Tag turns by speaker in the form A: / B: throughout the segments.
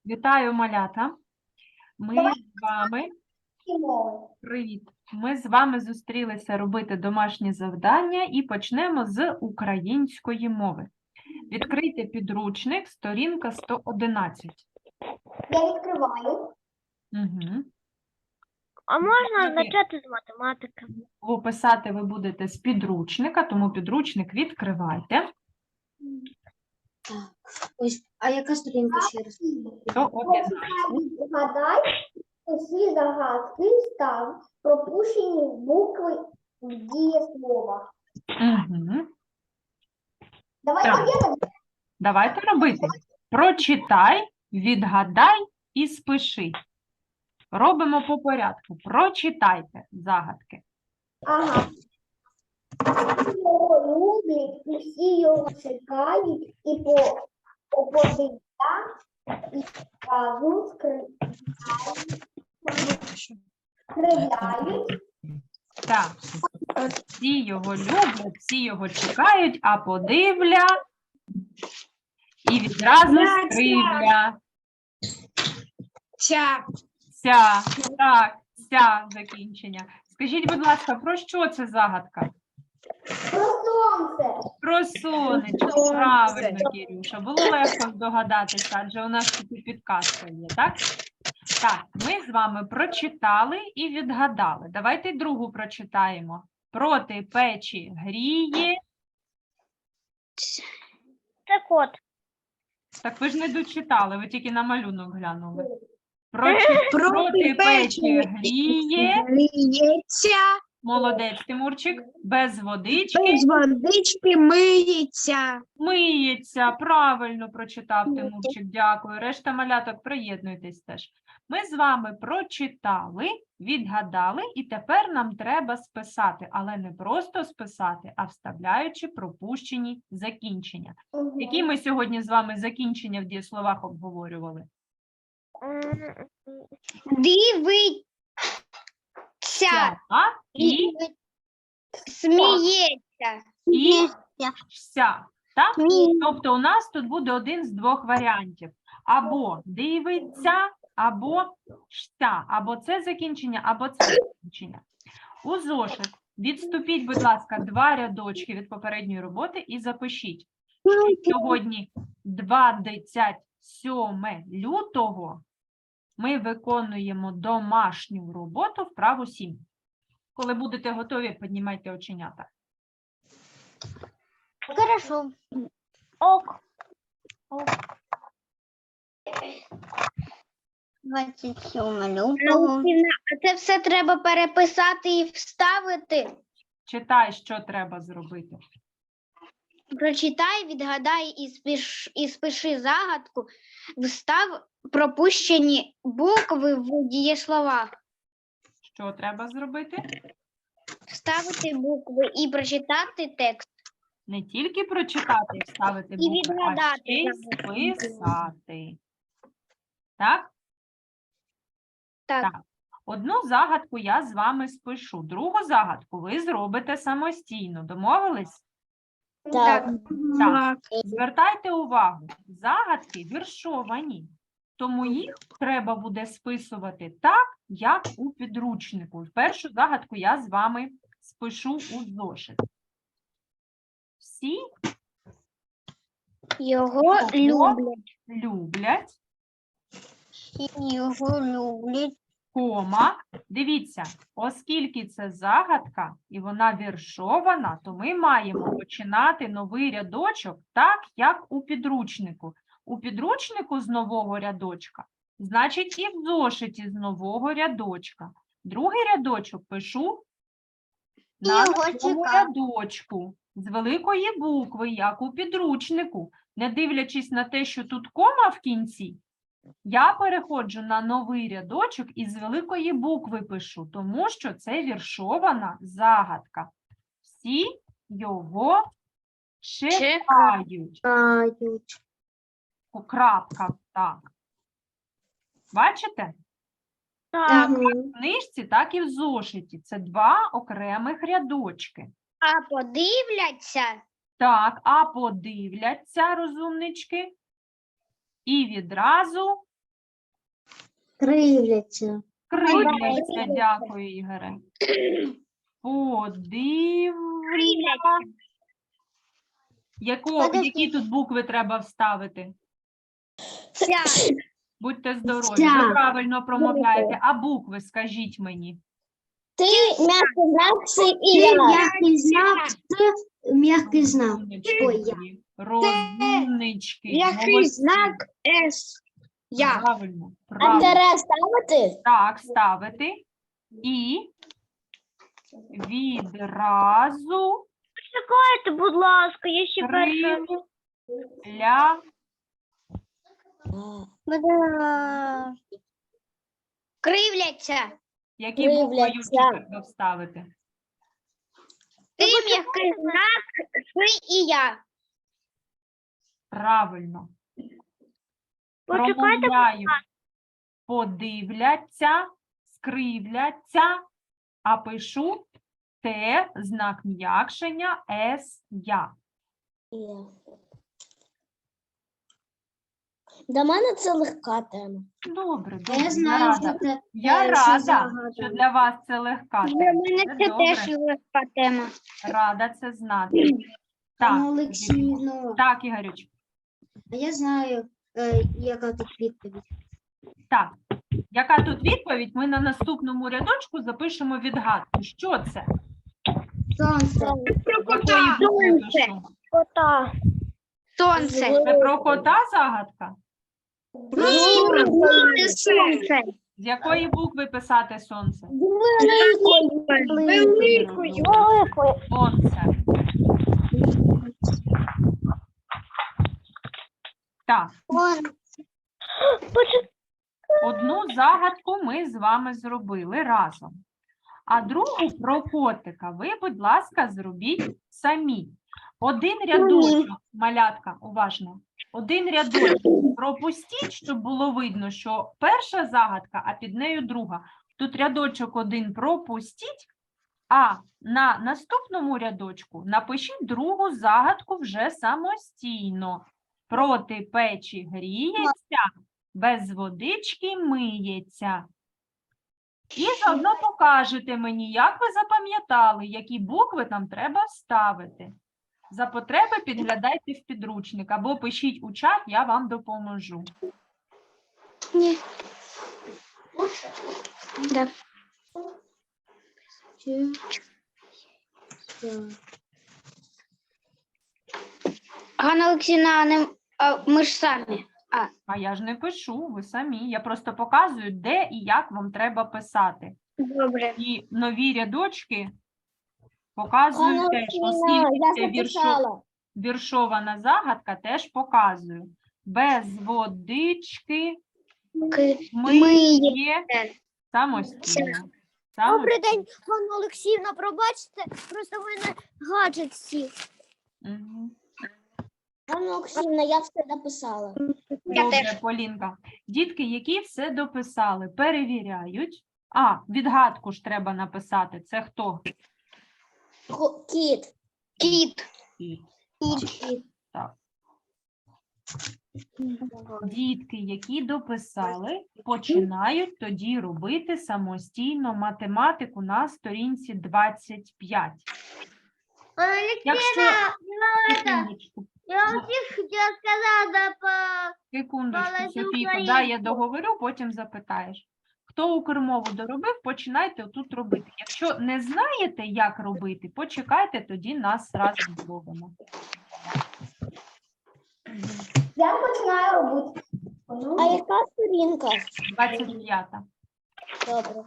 A: Вітаю, малята. Ми з вами Привіт. Ми з вами зустрілися робити домашні завдання і почнемо з української мови. Відкрийте підручник, сторінка 111.
B: Я відкриваю.
A: Угу.
C: А можна почати з математики?
A: Писати ви будете з підручника, тому підручник відкривайте.
B: Ось, а яка сторінка ще раз?
A: 111.
B: Згадай усі загадки став пропущені букви в дієслова.
A: Угу.
B: Давайте
A: Так.
B: делать.
A: Давайте робити. Прочитай, відгадай і спиши. Робимо по порядку. Прочитайте загадки.
B: Ага. Всі його люблять, усі його чекають і опозиція і разом скривляють.
A: Так. Всі його люблять, всі його чекають, а подивля і відразу скривля. Ся. Так, ся закінчення. Скажіть, будь ласка, про що це загадка?
B: Про сонце.
A: Про сонечко, правильно, Кірюша. Було легко здогадатися, адже у нас тут і підказка є, так? Так, ми з вами прочитали і відгадали. Давайте другу прочитаємо. Проти печі гріє.
C: Це кот.
A: Так ви ж не дочитали, ви тільки на малюнок глянули. Проти печі гріє.
D: Гріється,
A: Молодець, Тимурчик. Без водички.
D: без водички миється.
A: Миється, правильно прочитав Тимурчик, дякую. Решта маляток, приєднуйтесь теж. Ми з вами прочитали, відгадали, і тепер нам треба списати, але не просто списати, а вставляючи пропущені закінчення. Які ми сьогодні з вами закінчення в дієсловах обговорювали?
D: Дивиться
A: І
D: сміється.
A: вся. Так?
D: Сміється.
A: Тобто у нас тут буде один з двох варіантів. Або дивиться, або ся. Або це закінчення, або це закінчення. У зошит відступіть, будь ласка, 2 рядочки від попередньої роботи і запишіть, що сьогодні 27 лютого ми виконуємо домашню роботу вправу 7. Коли будете готові, піднімайте оченята.
D: Хорошо.
C: Ок.
D: 27 лютого. А це все треба переписати і вставити.
A: Читай, що треба зробити.
D: Прочитай, відгадай і спиши загадку. Встав пропущені букви в дієсловах.
A: Що треба зробити?
D: Вставити букви і прочитати текст.
A: Не тільки прочитати і вставити
D: І
A: букви, а
D: відгадати
A: ще й
D: загадку.
A: списати. Так?
D: Так.
A: Так. Одну загадку я з вами спишу. Другу загадку ви зробите самостійно. Домовились?
D: Так.
A: Так. Звертайте увагу, загадки віршовані, тому їх треба буде списувати так, як у підручнику. Першу загадку я з вами спишу у зошит. Всі
D: Його люблять.
A: люблять,
D: Його люблять.
A: кома. Дивіться, оскільки це загадка і вона віршована, то ми маємо починати новий рядочок так, як у підручнику. У підручнику з нового рядочка, значить і в зошиті з нового рядочка. Другий рядочок пишу на
D: Його
A: новому
D: чекаю.
A: рядочку з великої букви, як у підручнику. Не дивлячись на те, що тут кома в кінці, я переходжу на новий рядочок і з великої букви пишу, тому що це віршована загадка. Всі його чекають. Крапка, так. Бачите?
C: Так.
A: Як в книжці, так і в зошиті. Це 2 окремих рядочки.
D: А подивляться.
A: Так, а подивляться, розумнички, і відразу
D: Кривляться.
A: Кривляться, дякую, Ігоре. Подивля. Які тут букви треба вставити? Будьте здорові, ви
D: Ся.
A: правильно промовляєте. А букви скажіть мені.
B: Ти м'який знак, це і
D: Ти
B: я.
D: м'який знак, це м'який знак.
A: Розумнички
D: Ой, я.
A: мої. Розумнички.
C: Який
A: Молодці.
C: знак С? Я.
A: Правильно.
B: А
A: Правильно.
B: тере ставити?
A: Так, ставити. І відразу
C: Чекайте, будь ласка, я ще перша.
D: Кривляться.
A: Які букви
B: Кривляться.
A: Юрчик треба вставити?
D: Ти м'який знак, ти і я.
A: Правильно.
C: Почекайте,
A: Промовляю. Подивляться, скривляться, а пишу Т, знак м'якшення, С, я.
B: Для мене це легка тема.
A: Добре,
D: Я
A: добре,
D: знаю,
A: я
D: що
A: рада.
D: це
A: Я
D: що
A: рада,
D: загадка.
A: що для вас це легка
D: Для
A: тема.
D: мене
A: Це
D: це
A: добре.
D: теж легка тема.
A: Рада це знати. Так,
D: Олексійно,
A: так, Ігорюч.
D: а я знаю, яка тут відповідь.
A: Так, яка тут відповідь? Ми на наступному рядочку запишемо відгадку. Що це?
D: Сонце.
A: Якої букви пишу?
C: Кота.
D: Сонце.
A: Це про кота загадка?
D: Ні, сонце.
A: З якої букви писати сонце?
C: Великою.
A: Сонце. Так, одну загадку ми з вами зробили разом. А другу про котика ви, будь ласка, зробіть самі. Один рядочок, малятка, уважно. Один рядочок пропустіть, щоб було видно, що перша загадка, а під нею друга. Тут рядочок один пропустіть, а на наступному рядочку напишіть другу загадку вже самостійно. Проти печі гріється, без водички миється. І заодно покажете мені, як ви запам'ятали, які букви там треба вставити. За потреби підглядайте в підручник або пишіть у чат, я вам допоможу.
D: Ні. Да. Ганна Олексійовна, ми ж самі.
A: А я ж не пишу, ви самі. Я просто показую, де і як вам треба писати.
D: Добре.
A: І нові рядочки показую теж, оскільки це віршована загадка, теж показую. Без водички миє самостійно.
B: Добрий день, Ганна Олексіївна, пробачте, просто в мене гаджет сів.
A: Мгм.
B: Ганна Олексіївна, я все написала.
A: Добре, Полінка. Дітки, які все дописали, перевіряють. А, відгадку ж треба написати. Це хто?
B: Кіт.
D: Кіт.
A: Кіт. Так. Дітки, які дописали, починають тоді робити самостійно математику на сторінці 25. Якщо... Секундочку,
B: Я хотіла сказати по...
A: секундочку,
B: Молоду
A: Софійко,
B: Україну.
A: дай я договорю, потім запитаєш. Хто укрмову доробив, починайте отут робити. Якщо не знаєте, як робити, почекайте, тоді нас разом зробимо.
B: Я починаю робити. А яка сторінка?
A: 25-та.
B: Добре.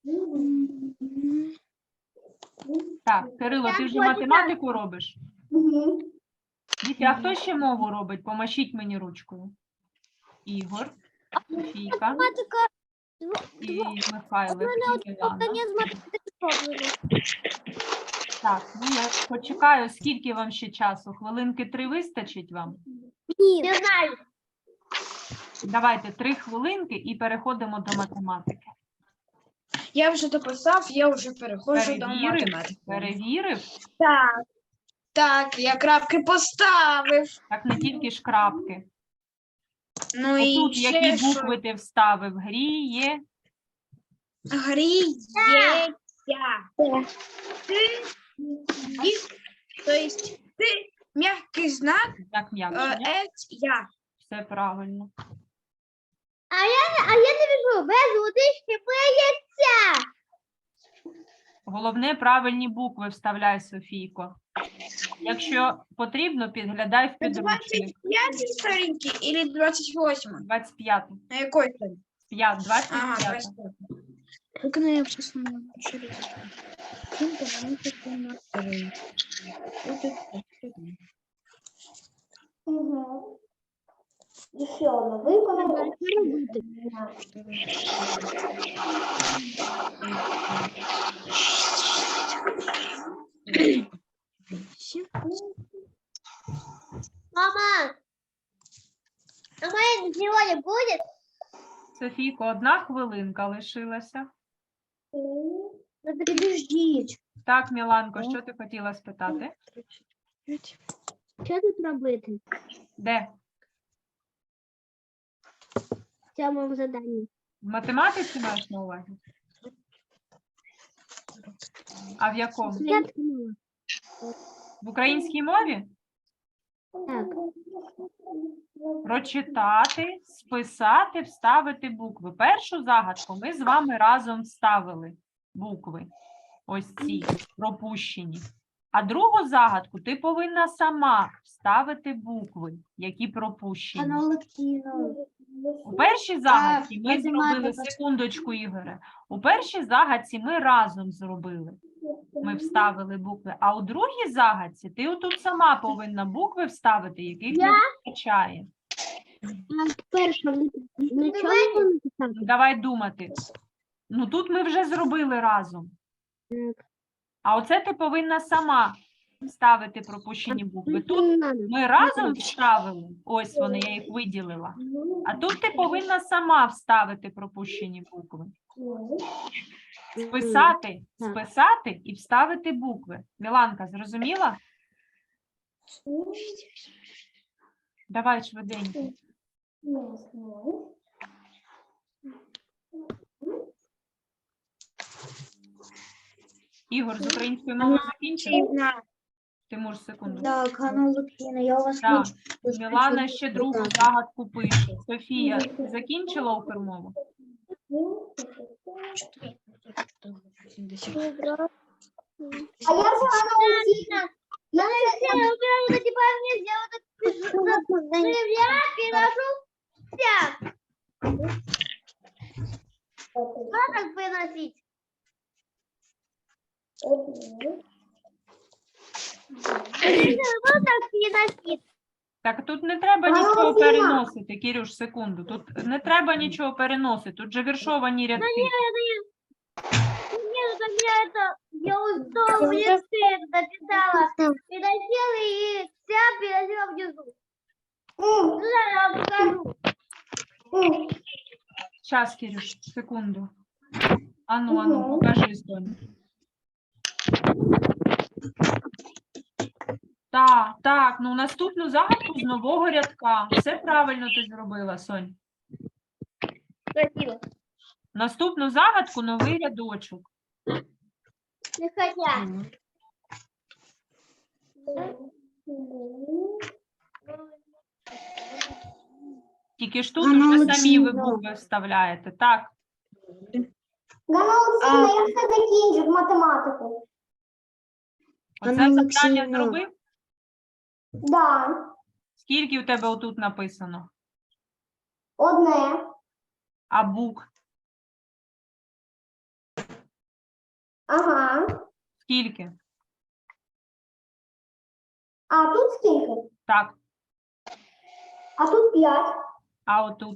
A: Так, Кирило, ти вже математику робиш? Діти, а хто ще мову робить? Помашіть мені ручкою. Ігор, Софійка і Михайло, і Ілана. Так, ну я почекаю, скільки вам ще часу? Хвилинки 3 вистачить вам?
B: Ні. Не знаю.
A: Давайте 3 хвилинки і переходимо до математики.
C: Я вже дописав, я вже переходжу до
A: Перевірив?
C: математики.
A: Перевірив?
C: Так, я крапки поставив.
A: Так не тільки ж крапки.
D: Ну і
A: Отут
D: ще
A: які
D: що?
A: букви ти вставив? Гріє.
D: Гріється. Ти, то есть ти, м'який знак,
A: Як м'якше, ні?
D: я.
A: Все правильно.
B: А я не вижу, без водички миється.
A: Головне, правильні букви вставляй, Софійко. Якщо потрібно, підглядай в підручник.
D: 25 сторінки или 28?
A: 25.
D: На якої сторінці?
A: 25.
D: Ага, 25. Как она я посмотрела?
B: Ще одне виконання. Мама, а моя сегодня будет?
A: Софійко, 1 хвилинка лишилася.
B: Ну, подождите.
A: Так, Міланко, що ти хотіла спитати?
B: Що тут робити
A: Де?
B: в цьому заданні?
A: В математиці маєш на увазі? А в якому? В українській мові?
B: Так.
A: Прочитати, списати, вставити букви. Першу загадку ми з вами разом вставили букви. Ось ці пропущені. А другу загадку ти повинна сама вставити букви, які пропущені. У першій загадці ми зробили, секундочку, Ігоре, у першій загадці ми разом зробили. Ми вставили букви, а у другій загадці ти отут сама повинна букви вставити, яких не вистачає. Ну, давай думати. Ну тут ми вже зробили разом. А оце ти повинна сама вставити пропущені букви. Тут ми разом вставили, ось вони, я їх виділила. А тут ти повинна сама вставити пропущені букви. Списати і вставити букви. Міланка, зрозуміла? Давай швиденько. Ігор, з української мови закінчив? Тимур, секунду.
B: Так, Ганна Олексійовна, я у вас
A: Так,
B: хочу
A: Мілана ще другу загадку пише. Софія, ти закінчила укрмову?
B: А я же Ганна Олексійовна. Я не типа мне сделать я переношу всяк. Как выносить?
A: Так, тут не треба нічого переносити, Кирюш, секунду. Тут не треба нічого переносити, тут же віршовані рядки.
B: Я устал, мне стыдно, написала. Переносила и вся переносила внизу. Я вам покажу.
A: Щас, Кирюш, секунду. Ану, покажи, Соню. Так, ну наступну загадку з нового рядка. Все правильно ти зробила, Сонь.
B: Спасибо.
A: Наступну загадку новий рядочок.
B: Не хотят.
A: Тільки ж тут вже самі ви букви вставляєте. Так,
B: Ганна Олексійовна, я все закінчу математику.
A: оце завдання зробив?
B: Да,
A: Скільки у тебе отут написано?
B: одне.
A: А букв?
B: Ага.
A: Скільки?
B: А тут скільки?
A: Так,
B: А тут 5,
A: а отут?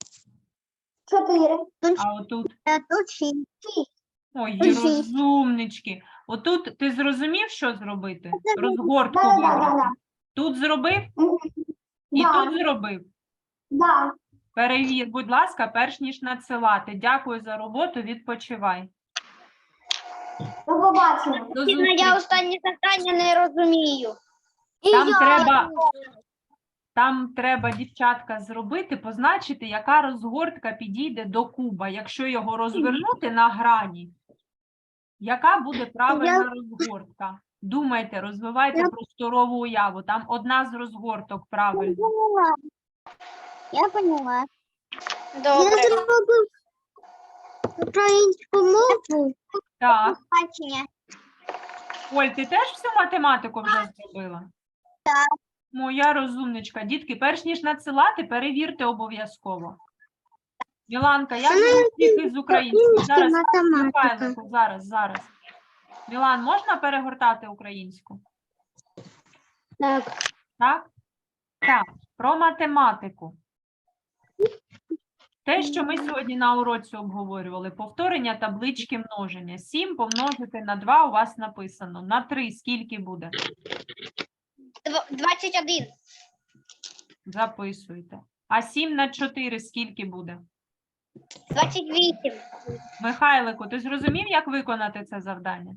B: 4.
A: А отут?
B: Тут 6.
A: Ой, розумнички. Отут ти зрозумів, що зробити? Розгортку
B: Да.
A: вибрати. Тут зробив і
B: Да.
A: тут зробив.
B: Да.
A: Перевір, будь ласка, перш ніж надсилати. Дякую за роботу, відпочивай.
B: До побачення.
A: До зустрічі.
D: Я останнє завдання не розумію.
A: Там треба Там треба, дівчатка, зробити, позначити, яка розгортка підійде до куба. Якщо його розвернути на грані, яка буде правильна розгортка? Думайте, розвивайте просторову уяву. Там одна з розгорток правильна.
B: Я поняла.
D: Добре.
B: Я зробив українську мову.
A: Так.
B: Бачення.
A: Оль, ти теж всю математику вже зробила?
B: Так.
A: Моя розумничка. Дітки, перш ніж надсилати, перевірте обов'язково. Міланка, як ви успіхи з українською? Зараз,
B: математика.
A: Михайлику, зараз. Мілан, можна перегортати українську?
B: Так.
A: Так? Так, про математику. Те, що ми сьогодні на уроці обговорювали, повторення таблички множення. 7 помножити на 2 у вас написано. На 3 скільки буде?
D: 21.
A: Записуйте. А 7 на 4 скільки буде?
D: 28.
A: Михайлику, ти зрозумів, як виконати це завдання?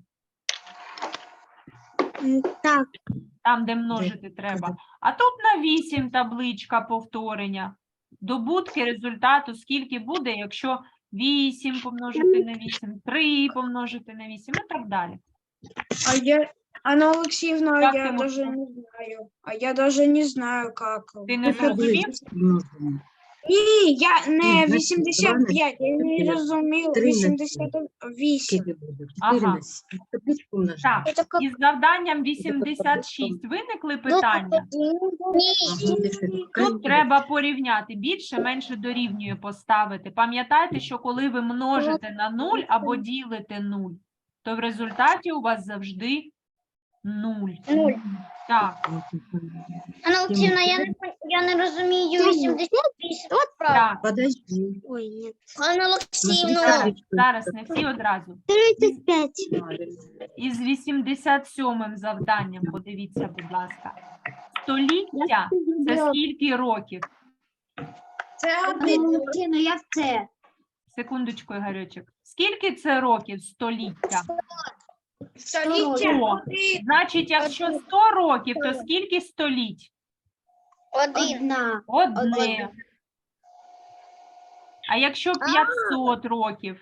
B: Так.
A: Там, де множити треба. А тут на 8 табличка повторення. Добутки результату скільки буде, якщо 8 помножити на 8, 3 помножити на 8 і так далі.
E: Анна Алексеевна,
A: Как
E: я
A: ты
E: даже
A: можешь?
E: не знаю. А я даже не знаю, как.
A: Ти не зрозумів?
E: Ні, я не
F: Ні,
E: 85, я не
F: чотири.
E: розумів.
F: 38.
E: 88.
A: Ага.
F: Табличку множимо.
A: Так, із завданням 86 виникли питання. Тут треба порівняти. Більше, менше дорівнює поставити. Пам'ятайте, що коли ви множите на 0 або ділите 0, то в результаті у вас завжди 0.
D: Нуль.
A: Так,
D: Анна Олексіївна, я не розумію 88.
A: так.
F: Подожди.
B: Ой, нет.
D: Анна
F: Смотри,
D: Олексіївна.
F: табличку.
A: Зараз не всі одразу.
B: 35.
A: Із 87-м завданням, подивіться, будь ласка. Століття – це скільки років?
E: Це один.
B: Валентина, я в це.
A: Секундочку, Ігорючик. Скільки це років століття?
E: Століття.
A: 100. Значить, якщо 100 років, то скільки століть?
D: Один.
B: Одна.
A: Одне. А якщо 500 років?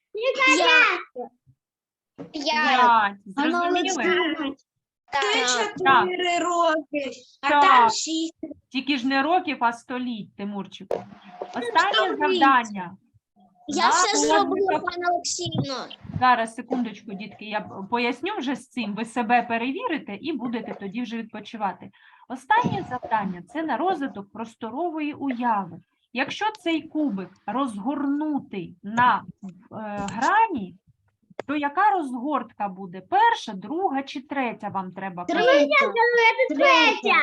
D: 5.
A: 5. Зрозуміли?
E: Це
A: Так.
E: 4 роки. А
A: Так.
E: там 6.
A: Тільки ж не років, а століть, Тимурчику. Останнє завдання.
D: Я
A: На
D: все зробила,
A: розрахунок-
D: пане Олексіївна.
A: Зараз, секундочку, дітки, я поясню вже з цим. Ви себе перевірите і будете тоді вже відпочивати. Останнє завдання – це на розвиток просторової уяви. Якщо цей кубик розгорнутий на грані, то яка розгортка буде? Перша, друга чи третя вам треба?
B: Третя.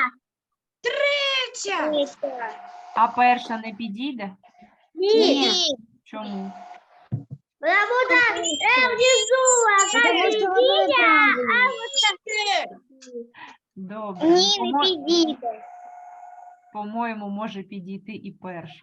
A: А перша не підійде?
D: Ні.
A: Чому?
B: Потому что вот
A: Добре.
D: Ні, не підійде.
A: По-моєму, може підійти і перша.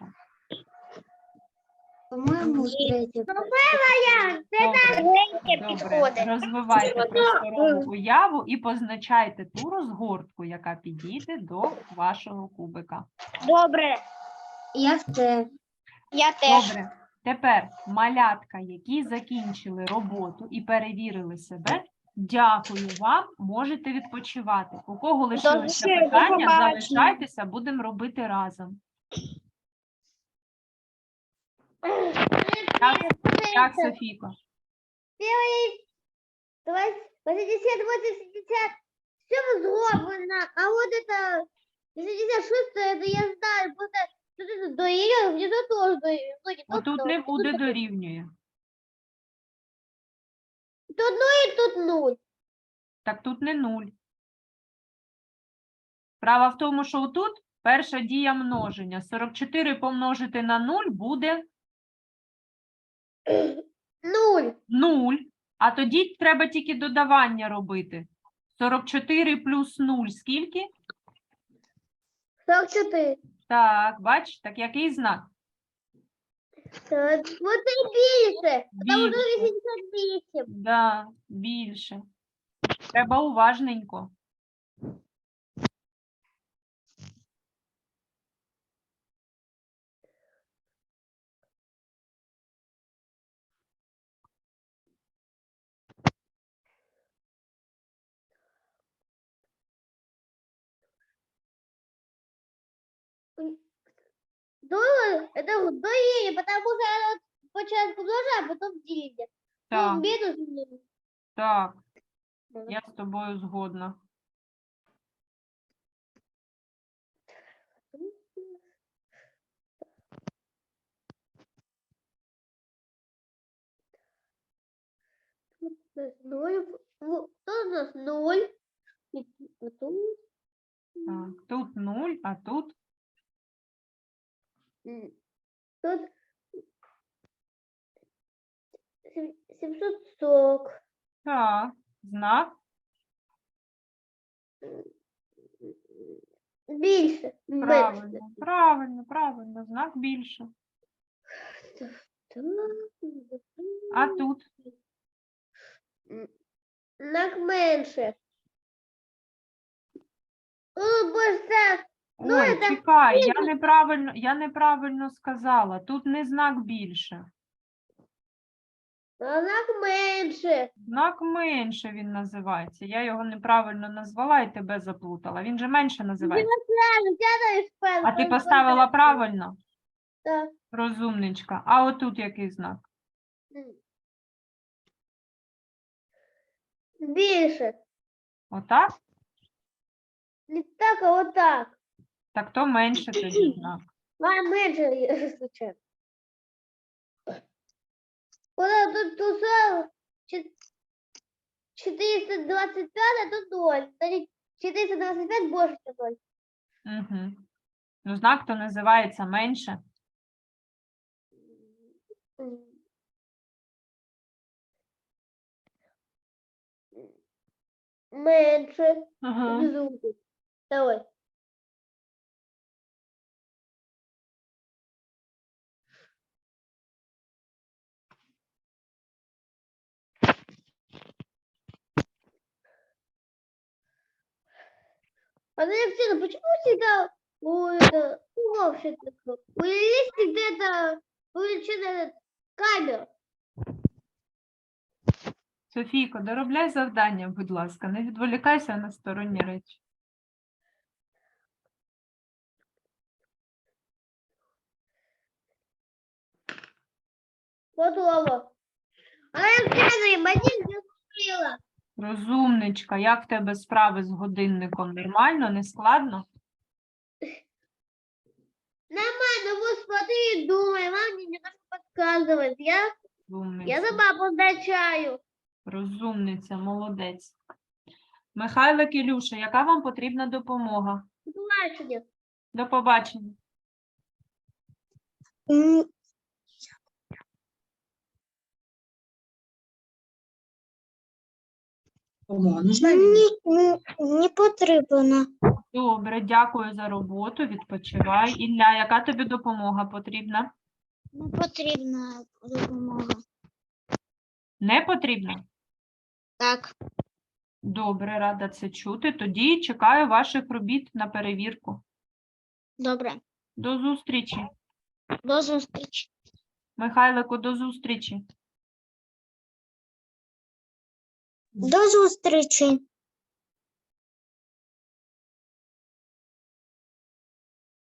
B: По-моему, третя.
A: Добре.
D: Третє
A: Добре,
D: підходить.
A: розвивайте просторову уяву і позначайте ту розгортку, яка підійде до вашого кубика.
D: Добре.
B: Я в це.
D: Я теж.
A: Добре. Тепер малятка, які закінчили роботу і перевірили себе, дякую вам, можете відпочивати. У кого лишилися
E: Добре, до
A: питання,
E: побачення.
A: залишайтеся, будемо робити разом. Так, Софійко.
B: 80, 80. Все зроблено. А вот это 66, это я знаю. Просто тут это доиграл, где-то тоже доиграл.
A: Отут не буде дорівнює.
B: Тут 0 и тут 0.
A: Так тут не 0. Справа в тому, що тут перша дія множення. 44 помножити на 0 буде
B: 0.
A: 0. А тоді треба тільки додавання робити. 44 плюс 0 скільки?
B: 44.
A: Так, бач, так який знак?
B: Так, вот и більше. Потому что
A: Більше.
B: 88.
A: Да, більше. Треба уважненько.
B: это удвоение, потому что оно початку множа, а потом деление.
A: Так,
B: Ну, минус.
A: так, я з тобою згодна.
B: Ноль. Тут у нас 0.
A: Так, тут 0, а тут
B: Тут 740.
A: так, знак
B: Більше.
A: правильно, правильно, правильно, знак більше. А тут
B: Знак менше. Тут більше. Ну,
A: ой,
B: це
A: чекай, я неправильно сказала. Тут не знак більше.
B: А знак менше.
A: Знак менше він називається. Я його неправильно назвала і тебе заплутала. Він же менше називається. А ти поставила правильно?
B: Так.
A: Розумничка. А отут який знак?
B: Більше.
A: Отак?
B: Не так, а отак.
A: Так то менше тоді знак.
B: А менше, звичайно. Вона тут тусала 425, а тут 0. Значить, 425 більше, ніж 0.
A: Угу. Ну, знак то називається менше.
B: Менше.
A: Ага.
B: Внизу. Давай. Алексей, почему всегда вообще такое? У есть где-то увеличенная камера?
A: Софійко, доробляй завдання, будь ласка. Не відволікайся на сторонні речі.
B: Готово. Алексей, манин не купила.
A: Розумничка, як в тебе справи з годинником? Нормально, не складно?
B: Нормально, вот смотри и думай, мама мне не надо подсказывать. Я
A: Розумниця.
B: сама позначаю.
A: Розумниця, молодець. Михайлик, Ілюша, яка вам потрібна допомога?
B: Бачення.
A: До побачення.
D: Не потрібно.
A: Добре, дякую за роботу, відпочивай. Ілля, яка тобі допомога потрібна?
D: Не потрібна допомога.
A: Не потрібна?
D: Так.
A: Добре, рада це чути. Тоді чекаю ваших робіт на перевірку.
D: Добре.
A: До зустрічі.
D: До зустрічі.
A: Михайлику, до зустрічі.
D: До зустрічі.